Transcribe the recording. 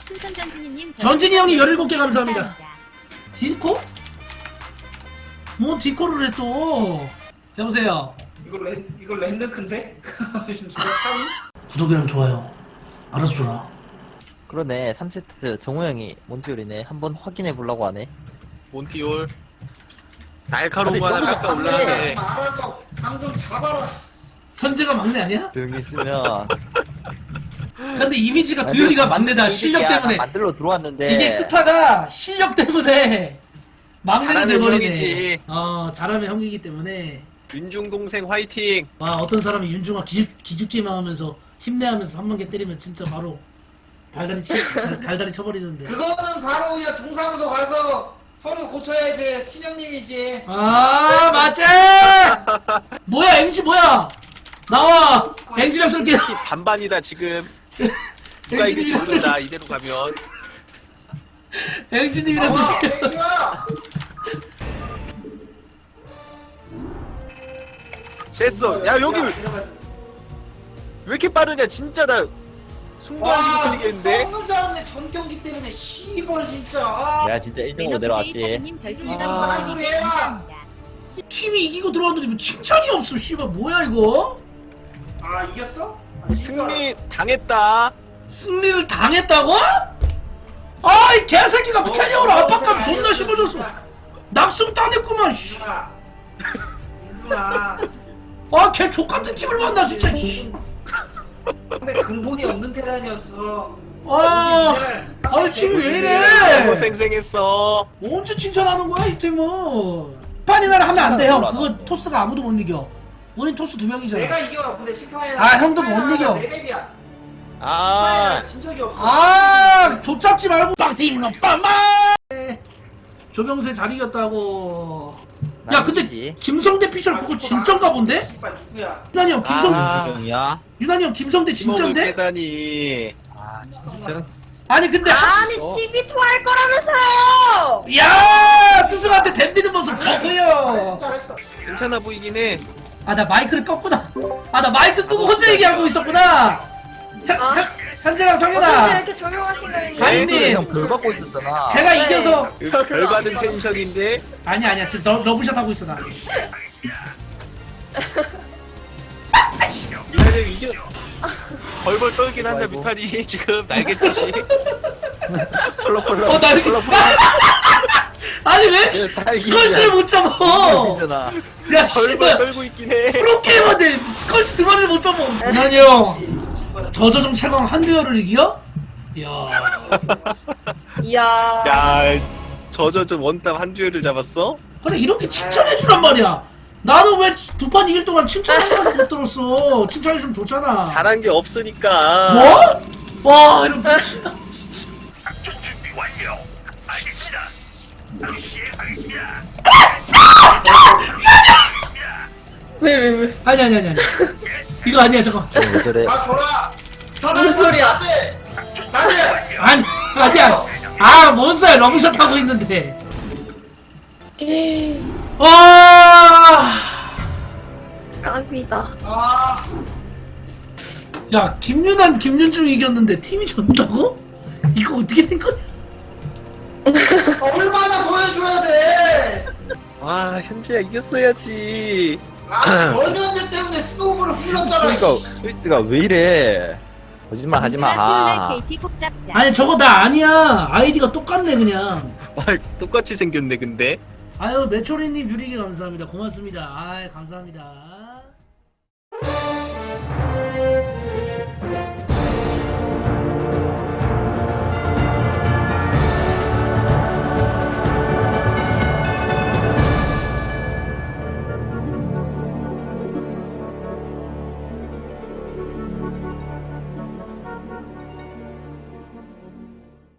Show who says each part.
Speaker 1: 풍선 전진이님
Speaker 2: 전진이 형님 17개 감사합니다. 디코? 뭐 디코를 해 또. 여보세요.
Speaker 3: 이거 랜드크인데? 진짜 3위?
Speaker 2: 구독이랑 좋아요 알아서 줘라.
Speaker 4: 그러네. 3세트 정우 형이 몬티올이네. 한번 확인해 보려고 하네.
Speaker 5: 몬티올 날카로운
Speaker 4: 아니,
Speaker 5: 거 하나
Speaker 4: 저거는
Speaker 5: 깎아 올라가네.
Speaker 3: 알아서 방좀 잡아라.
Speaker 2: 현재가 막내 아니야?
Speaker 4: 조용히 있으면.
Speaker 2: 근데 이미지가 두열이가 막내다. 실력 때문에.
Speaker 4: 만들러 들어왔는데.
Speaker 2: 이게 스타가 실력 때문에 막내가
Speaker 5: 잘하는
Speaker 2: 돼버리네.
Speaker 5: 형이지.
Speaker 2: 잘하면 형이기 때문에.
Speaker 5: 윤중 동생 화이팅.
Speaker 2: 와, 어떤 사람이 윤중아 기죽지마 하면서 힘내하면서 3만 개 때리면 진짜 바로 달달이 쳐버리는데.
Speaker 3: 그거는 바로 그냥 동사무소 가서 서류 고쳐야지. 친형님이지.
Speaker 2: 아, 맞아. 뭐야, 앵지 뭐야? 나와. 앵지랑 쏠게.
Speaker 5: 반반이다 지금. 누가 이길지 모른다 이대로 가면.
Speaker 2: 앵지님이랑 쏠게.
Speaker 3: 땡큐야.
Speaker 5: 됐어. 야 여기 왜 이렇게 빠르냐 진짜 나 순간식으로 클릭했는데.
Speaker 3: 성능 잘았네. 전 경기 때문에 씨발 진짜.
Speaker 4: 내가 진짜 1등으로 내려왔지.
Speaker 3: 아, 소리 해라.
Speaker 2: 팀이 이기고 들어왔는데 뭐 칭찬이 없어. 씨발 뭐야 이거?
Speaker 3: 아 이겼어? 아, 진짜
Speaker 5: 승리 당했다.
Speaker 2: 승리를 당했다고? 아이 개새끼가 캐리어로 압박감 존나 심어줬어. 낙승 따냈구만. 씨.
Speaker 3: 민준아. 민준아.
Speaker 2: 걔 족같은 팀을 만나 진짜. 씨.
Speaker 3: 근데 근본이 없는 테란이었어.
Speaker 2: 아니 팀이 왜
Speaker 5: 너무
Speaker 2: 이래?
Speaker 5: 쌩쌩했어.
Speaker 2: 언제 칭찬하는 거야 이 팀은? 판이나라 하면 안 돼 형. 그거 토스가 아무도 못 이겨. 우린 토스 2명이잖아.
Speaker 3: 내가 이겨. 근데 시파이나.
Speaker 2: 아, 형도 못 이겨.
Speaker 3: 내 맵이야.
Speaker 5: 아
Speaker 3: 진 적이 없어.
Speaker 2: 족잡지 말고 빵띵 빵빵. 조병세 잘 이겼다고. 야 근데
Speaker 4: 아니지.
Speaker 2: 김성대 피셜 그거 진짠가 본데?
Speaker 3: 씨발 누구야?
Speaker 2: 유난히 형
Speaker 5: 아.
Speaker 4: 주경이야.
Speaker 2: 유난히 형 김성대
Speaker 5: 팀워크
Speaker 2: 진짠데?
Speaker 5: 깨다니.
Speaker 4: 아, 진짜.
Speaker 2: 아니 근데
Speaker 6: 아니 12토 할 거라면서요!
Speaker 2: 야 스승한테 덤비는 모습
Speaker 3: 잘했어
Speaker 2: 저거요.
Speaker 3: 잘했어.
Speaker 5: 괜찮아 보이긴 해.
Speaker 2: 아 나 마이크를 껐구나. 아 나 마이크 끄고 혼자 얘기하고 있었구나. 현재랑
Speaker 6: 어쩐지
Speaker 2: 성현아
Speaker 6: 이렇게 조용하신 거니?
Speaker 2: 가인님.
Speaker 4: 형별 받고 있었잖아.
Speaker 2: 제가
Speaker 6: 네.
Speaker 2: 이겨서
Speaker 5: 별 받은 텐션인데.
Speaker 2: 아니야 지금 러브샷 하고 있어 나.
Speaker 5: 미탈이 이겨. 벌벌 떨긴 한다 미탈이 지금 날개짓이.
Speaker 4: 펄럭펄럭.
Speaker 2: 나 이거 아니 왜
Speaker 4: 예, 살기
Speaker 2: 스컬지를 못 잡아?
Speaker 4: 이잖아.
Speaker 2: 야
Speaker 5: 벌벌
Speaker 2: 씨발
Speaker 5: 떨고 있긴 해.
Speaker 2: 프로게이머인데 스컬지 두 마리를 못 잡아. 유난히 형 저저종 최강 한두열을 이겨? 이야
Speaker 6: 이야.
Speaker 5: 야, 저저 원탑 한 듀얼을 잡았어?
Speaker 2: 그래 이렇게 칭찬해주란 말이야. 나는 왜 두 판 이길 동안 칭찬하는 못 들었어. 칭찬해주면 좋잖아.
Speaker 5: 잘한 게 없으니까.
Speaker 2: 뭐? 와 이런 미친다 진짜.
Speaker 6: 왜?
Speaker 2: 아니 이거 아니야 잠깐.
Speaker 4: 왜 저래?
Speaker 3: 아 줘라.
Speaker 6: 무슨 소리야?
Speaker 3: 다시.
Speaker 2: 아니 아니야. 뭔 소리야 러브샷 하고 있는데. 와.
Speaker 6: 깜이다.
Speaker 3: 아.
Speaker 2: 야 김윤환 김윤중이 이겼는데 팀이 졌다고? 이거 어떻게 된 거야?
Speaker 3: 얼마나 더 해줘야 돼.
Speaker 5: 와, 현재야 이겼어야지.
Speaker 3: 아 변현재 때문에 스노우볼을 흘렀잖아.
Speaker 4: 그러니까 초이스가 왜 이래? 거짓말 하지 마.
Speaker 1: 수요일날 KT 꼭 잡자.
Speaker 2: 아니 저거 나 아니야. 아이디가 똑같네 그냥.
Speaker 5: 와, 똑같이 생겼네 근데.
Speaker 2: 아유 메초리님 유리기 감사합니다. 고맙습니다. 아이 감사합니다.